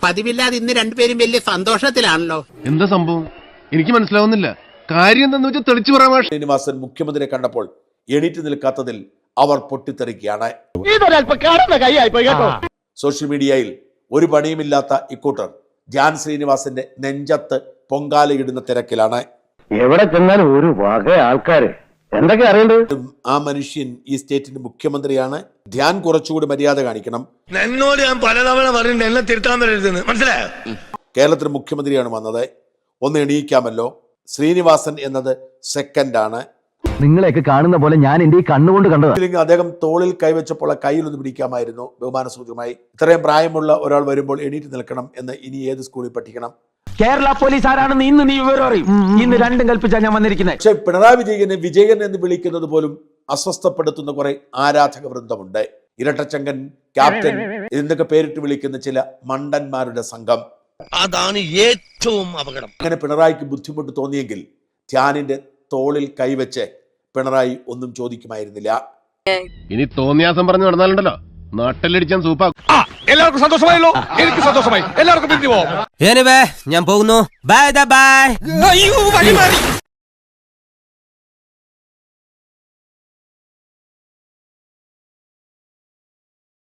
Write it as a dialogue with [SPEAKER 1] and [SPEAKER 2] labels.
[SPEAKER 1] പതിവില്ലാതെ ഇന്ന് രണ്ടുപേരും വലിയ സന്തോഷത്തിലാണല്ലോ.
[SPEAKER 2] എന്താ സംഭവം എനിക്ക് മനസ്സിലാവുന്നില്ല. കാര്യം എന്താന്ന് വെച്ചാൽ തെളിച്ചു പറയാൻ.
[SPEAKER 3] ശ്രീനിവാസൻ മുഖ്യമന്ത്രിയെ കണ്ടപ്പോൾ എണീറ്റ് നിൽക്കാത്തതിൽ അവർ പൊട്ടിത്തെറിക്കുകയാണ്. സോഷ്യൽ മീഡിയയിൽ ഒരു പണിയുമില്ലാത്ത ഇക്കൂട്ടർ ധ്യാൻ ശ്രീനിവാസന്റെ നെഞ്ചത്ത് പൊങ്കാലയിടുന്ന തിരക്കിലാണ്.
[SPEAKER 4] എവിടെ ചെന്നാലും ഒരു വക ആൾക്കാര് എന്തൊക്കെ അറിയണ്ടത്.
[SPEAKER 3] ആ മനുഷ്യൻ ഈ സ്റ്റേറ്റിന്റെ മുഖ്യമന്ത്രിയാണ്. ധ്യാൻ കുറച്ചുകൂടി മര്യാദ കാണിക്കണം.
[SPEAKER 5] എന്നോട് ഞാൻ പലതവണ പറഞ്ഞിട്ട് എന്നെ തിരുത്താൻ വരരുതെന്ന് മനസ്സിലായോ?
[SPEAKER 3] കേരളത്തിന് മുഖ്യമന്ത്രിയാണ് വന്നത്, ഒന്ന് എണീക്കാമല്ലോ. ശ്രീനിവാസൻ എന്നത് സെക്കൻഡാണ്.
[SPEAKER 4] നിങ്ങളെയൊക്കെ കാണുന്ന പോലെ ഞാൻ എന്റെ ഈ കണ്ണുകൊണ്ട് കണ്ടത്.
[SPEAKER 3] അദ്ദേഹം തോളിൽ കൈവച്ചപ്പോൾ കയ്യിലൊന്ന് പിടിക്കാമായിരുന്നു ബഹുമാനസൂചകമായി. ഇത്രയും പ്രായമുള്ള ഒരാൾ വരുമ്പോൾ എണീറ്റ് നിൽക്കണം എന്ന് ഇനി ഏത് സ്കൂളിൽ പഠിക്കണം?
[SPEAKER 6] കേരള പോലീസ് ആരാണെന്ന് ഇന്ന് നീ വിവരം അറിയും. ഇന്ന് രണ്ടും കൽപ്പിച്ചാണ് ഞാൻ വന്നിരിക്കുന്നത്.
[SPEAKER 3] പക്ഷെ പിണറായി വിജയനെ വിജയൻ എന്ന് വിളിക്കുന്നത് പോലും അസ്വസ്ഥപ്പെടുത്തുന്ന കുറെ ആരാധക വൃന്ദമുണ്ട്. ഇരട്ടച്ചങ്കൻ, ക്യാപ്റ്റൻ എന്നൊക്കെ പേരിട്ട് വിളിക്കുന്ന ചില മണ്ടന്മാരുടെ സംഘം.
[SPEAKER 5] അതാണ് ഏറ്റവും അപകടം.
[SPEAKER 3] അങ്ങനെ പിണറായിക്ക് ബുദ്ധിമുട്ട് തോന്നിയെങ്കിൽ ധ്യാനിന്റെ തോളിൽ കൈവച്ച് പിണറായി ഒന്നും ചോദിക്കുമായിരുന്നില്ല.
[SPEAKER 2] ഇനി തോന്നിയാസം പറഞ്ഞു നടന്നാലുണ്ടല്ലോ നാട്ടിലടിച്ചാൻ സൂപ്പാക്കും.
[SPEAKER 5] എല്ലാവർക്കും സന്തോഷമായല്ലോ. എനിക്ക് സന്തോഷമായി. എല്ലാവർക്കും പിരിഞ്ഞു പോവാം.
[SPEAKER 6] ഞാൻ പോകുന്നു. Bye by.